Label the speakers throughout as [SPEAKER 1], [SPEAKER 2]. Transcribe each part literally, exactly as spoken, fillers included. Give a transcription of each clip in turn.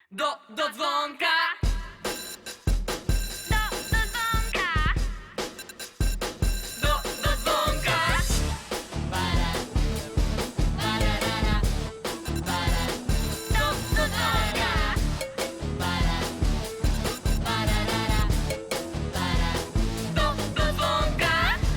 [SPEAKER 1] Do, do dzwonka!
[SPEAKER 2] Do, do dzwonka.
[SPEAKER 1] Do, do dzwonka!
[SPEAKER 2] Do, do dzwonka.
[SPEAKER 1] Do, do dzwonka!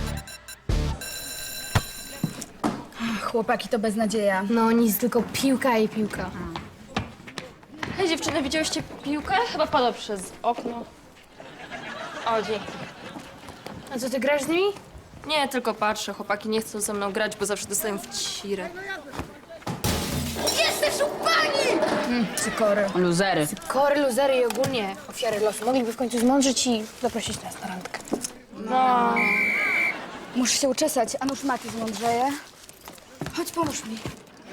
[SPEAKER 3] Chłopaki to beznadzieja.
[SPEAKER 4] No nic, tylko piłka i piłka.
[SPEAKER 5] Hej dziewczyny, widziałyście piłkę? Chyba padła przez okno. O, dzięki.
[SPEAKER 4] A co, ty grasz z nimi?
[SPEAKER 5] Nie, tylko patrzę. Chłopaki nie chcą ze mną grać, bo zawsze dostają w cirę.
[SPEAKER 3] Cykory.
[SPEAKER 6] Luzery.
[SPEAKER 4] Kory, luzery i ogólnie ofiary losu. Mogliby w końcu zmądrzeć i zaprosić nas na randkę.
[SPEAKER 5] No.
[SPEAKER 3] Muszę się uczesać, a nuż Mati zmądrzeje. Chodź, pomóż mi.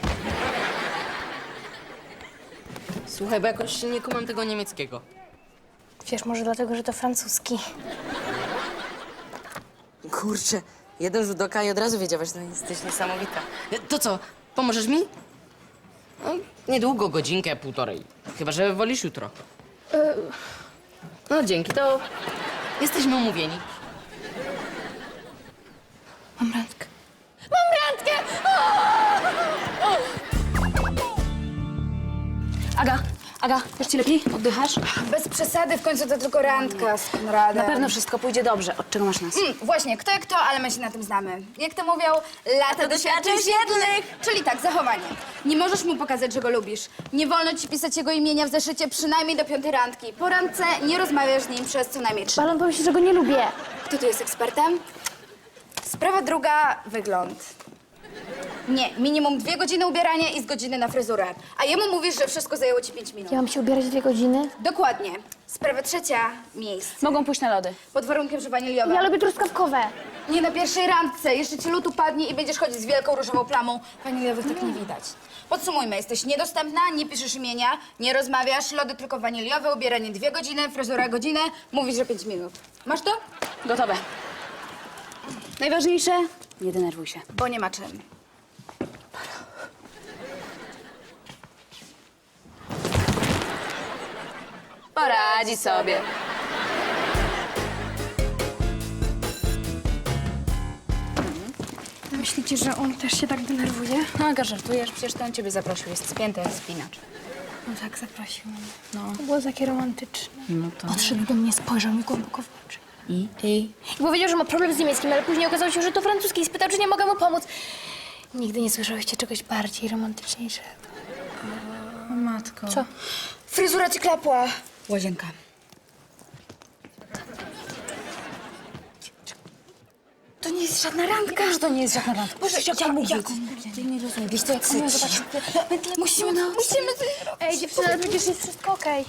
[SPEAKER 6] Słuchaj, bo jakoś nie kumam tego niemieckiego.
[SPEAKER 4] Wiesz, może dlatego, że to francuski.
[SPEAKER 6] Kurczę, jeden rzut oka i od razu wiedziałaś, że jesteś niesamowita. To co, pomożesz mi? No, niedługo, godzinkę, półtorej. Chyba, że wolisz jutro. No dzięki, to jesteśmy umówieni.
[SPEAKER 4] Mam randkę.
[SPEAKER 3] Aga, Aga, już ci lepiej? Oddychasz? Bez przesady, w końcu to tylko randka z Konradem.
[SPEAKER 7] Na pewno wszystko pójdzie dobrze. Od czego masz nas?
[SPEAKER 3] Mm, właśnie, kto jak kto, ale my się na tym znamy. Jak to mówią, lata doświadczeń świetlnych. Czyli tak, zachowanie. Nie możesz mu pokazać, że go lubisz. Nie wolno ci pisać jego imienia w zeszycie przynajmniej do piątej randki. Po randce nie rozmawiasz z nim przez co najmniej trzy.
[SPEAKER 4] Balon pomyśli, że go nie lubię.
[SPEAKER 3] Kto tu jest ekspertem? Sprawa druga, wygląd. Nie, minimum dwie godziny ubierania i z godziny na fryzurę. A jemu mówisz, że wszystko zajęło ci pięć minut.
[SPEAKER 4] Ja mam się ubierać dwie godziny?
[SPEAKER 3] Dokładnie. Sprawa trzecia, miejsce.
[SPEAKER 7] Mogą pójść na lody.
[SPEAKER 3] Pod warunkiem, że waniliowe.
[SPEAKER 4] Ja lubię truskawkowe.
[SPEAKER 3] Nie na pierwszej randce. Jeszcze ci lód upadnie i będziesz chodzić z wielką różową plamą. Waniliowych tak nie widać. Podsumujmy. Jesteś niedostępna, nie piszesz imienia, nie rozmawiasz, lody tylko waniliowe, ubieranie dwie godziny, fryzura godzinę, mówisz, że pięć minut. Masz to?
[SPEAKER 7] Gotowe. Najważniejsze, nie denerwuj się.
[SPEAKER 3] Bo nie ma czym.
[SPEAKER 6] Poradzi sobie.
[SPEAKER 4] Myślicie, że on też się tak denerwuje?
[SPEAKER 7] No, Aga, żartujesz, przecież to on ciebie zaprosił. Jest spięty jak spinacz.
[SPEAKER 4] No tak, zaprosił mnie. No. To było takie romantyczne.
[SPEAKER 7] No to...
[SPEAKER 4] Podszedł do mnie, spojrzał mi głęboko w oczy.
[SPEAKER 7] I? I?
[SPEAKER 4] I powiedział, że ma problem z niemieckim, ale później okazało się, że to francuski i spytał, czy nie mogę mu pomóc. Nigdy nie słyszałyście czegoś bardziej romantyczniejszego.
[SPEAKER 7] O, matko.
[SPEAKER 4] Co?
[SPEAKER 3] Fryzura ci klapła.
[SPEAKER 7] Łazienka.
[SPEAKER 3] To nie jest żadna randka.
[SPEAKER 7] Że to nie jest żadna randka.
[SPEAKER 3] Boże,
[SPEAKER 7] jak
[SPEAKER 3] jak-
[SPEAKER 7] mówić?
[SPEAKER 3] jak-
[SPEAKER 7] Ty nie rozumiesz. Wiesz co, jak on ją zobaczy...
[SPEAKER 3] Musimy, no, musimy...
[SPEAKER 4] Ej, dziewczyny, ale przecież jest wszystko okej.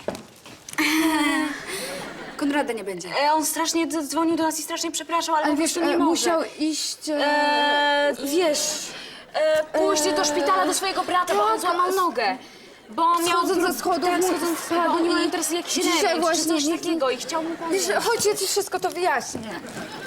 [SPEAKER 3] Konrada nie będzie.
[SPEAKER 7] E, on strasznie d- dzwonił do nas i strasznie przepraszał, ale, ale wiesz, nie może.
[SPEAKER 3] musiał iść...
[SPEAKER 7] E, wiesz, e, pójść do szpitala do swojego brata, bo on złamał nogę. Bo miał...
[SPEAKER 3] Schodząc ze schodów,
[SPEAKER 7] Tak,
[SPEAKER 3] mu
[SPEAKER 7] schodząc ze
[SPEAKER 3] spadł
[SPEAKER 7] schodów. Oni
[SPEAKER 3] i-
[SPEAKER 7] mają teraz jakiś
[SPEAKER 3] Dzisiaj
[SPEAKER 7] remis,
[SPEAKER 3] właśnie
[SPEAKER 7] czy coś
[SPEAKER 3] nikt-
[SPEAKER 7] takiego i chciał mu pomóc.
[SPEAKER 3] Wiesz, chodź, ja ci wszystko to wyjaśnię.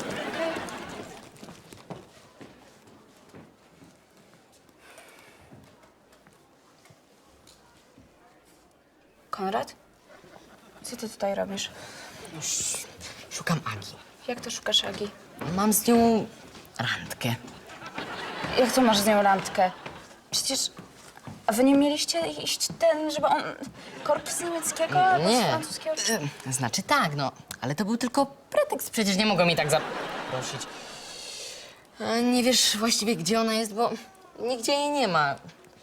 [SPEAKER 7] Konrad? Co ty tutaj robisz?
[SPEAKER 6] Szukam Agi.
[SPEAKER 7] Jak to szukasz Agi?
[SPEAKER 6] Mam z nią randkę.
[SPEAKER 7] Jak to masz z nią randkę? Przecież... A wy nie mieliście iść ten, żeby on... Korpus niemieckiego albo z
[SPEAKER 6] Nie.
[SPEAKER 7] francuskiego?
[SPEAKER 6] E, Znaczy tak, no, ale to był tylko pretekst. Przecież nie mogą mi tak zaprosić. A nie wiesz właściwie, gdzie ona jest, bo nigdzie jej nie ma.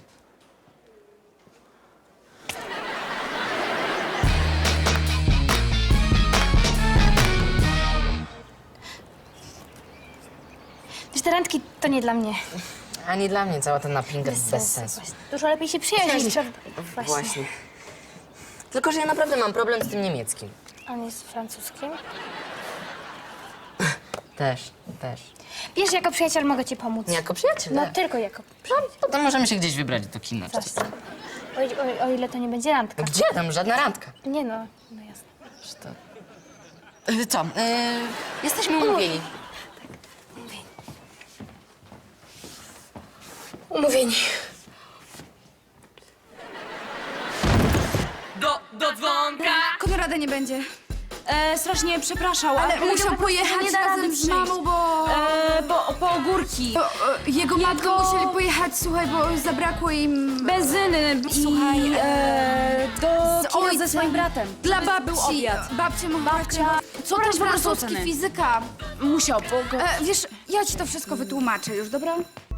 [SPEAKER 4] Wiesz, te randki to nie dla mnie.
[SPEAKER 6] Ani dla mnie cała ta napinka bez, bez sensu.
[SPEAKER 4] Właśnie. Dużo lepiej się przyjaźnić. prawda? Właśnie.
[SPEAKER 6] Właśnie. Tylko, że ja naprawdę mam problem z tym niemieckim.
[SPEAKER 4] On jest francuskim.
[SPEAKER 6] Też, też.
[SPEAKER 4] Wiesz, jako przyjaciel mogę ci pomóc.
[SPEAKER 6] Jako przyjaciel?
[SPEAKER 4] No tylko jako przyjaciel.
[SPEAKER 6] Potem możemy się gdzieś wybrać do kina. czy coś.
[SPEAKER 4] Właśnie. O, o, o ile to nie będzie randka.
[SPEAKER 6] Gdzie tam? Żadna randka.
[SPEAKER 4] Nie no, no jasne.
[SPEAKER 6] Czy to... E, Co? E, jesteśmy umówieni.
[SPEAKER 3] Umówieni.
[SPEAKER 1] Do,
[SPEAKER 3] rady nie będzie.
[SPEAKER 7] E, strasznie przepraszał, ale,
[SPEAKER 3] Ale
[SPEAKER 7] powiedział
[SPEAKER 3] musiał
[SPEAKER 7] po prostu, że
[SPEAKER 3] pojechać
[SPEAKER 7] nie da rady
[SPEAKER 3] razem z
[SPEAKER 7] przyjść.
[SPEAKER 3] mamą, bo...
[SPEAKER 7] E, bo po ogórki.
[SPEAKER 3] bo e, jego matką musieli pojechać, słuchaj, bo zabrakło im...
[SPEAKER 7] Benzyny.
[SPEAKER 3] I,
[SPEAKER 7] Słuchaj, e, do
[SPEAKER 3] z
[SPEAKER 7] kina
[SPEAKER 3] ojcem.
[SPEAKER 7] ze swoim bratem.
[SPEAKER 3] Dla
[SPEAKER 7] Żeby
[SPEAKER 3] babci.
[SPEAKER 7] Był obiad.
[SPEAKER 3] Babcia mogła...
[SPEAKER 7] Babcia, co
[SPEAKER 3] Brać
[SPEAKER 7] też po prostu
[SPEAKER 3] francuski,
[SPEAKER 7] oceny?
[SPEAKER 3] fizyka.
[SPEAKER 7] Musiał, bo go...
[SPEAKER 3] E, wiesz, ja ci to wszystko wytłumaczę już, dobra?